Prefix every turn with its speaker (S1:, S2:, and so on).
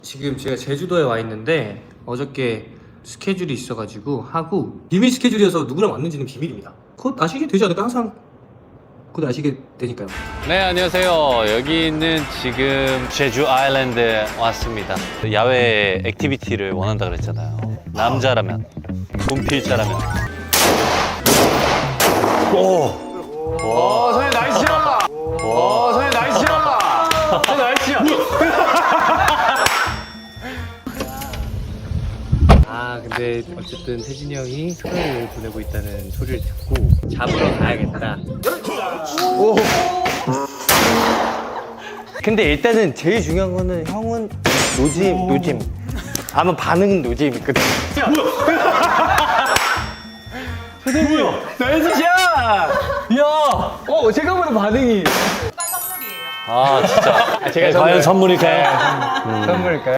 S1: 지금 제가 제주도에 와 있는데 어저께 스케줄이 있어가지고 하고 비밀 스케줄이어서 누구랑 왔는지는 비밀입니다. 그것 아시게 되지 않을까? 항상 그것 아시게 되니까요.
S2: 네, 안녕하세요. 여기는 지금 제주 아일랜드에 왔습니다. 야외 액티비티를 원한다 그랬잖아요. 남자라면, 분필자라면.
S3: 선생님 나이스야! 선생님 나이스야! 선생님 나이스야!
S1: 근데 어쨌든 태진이 형이 휴가를 보내고 있다는 소리를 듣고 잡으러 가야겠다.
S4: 근데 일단은 제일 중요한 거는 형은 노짐. 아마 반응은 노짐이거든.
S3: 나이스야! 야! 제가 보는 반응이
S2: 아, 진짜.
S4: 제가
S2: 과연 선물일까요?
S4: 선물일까요?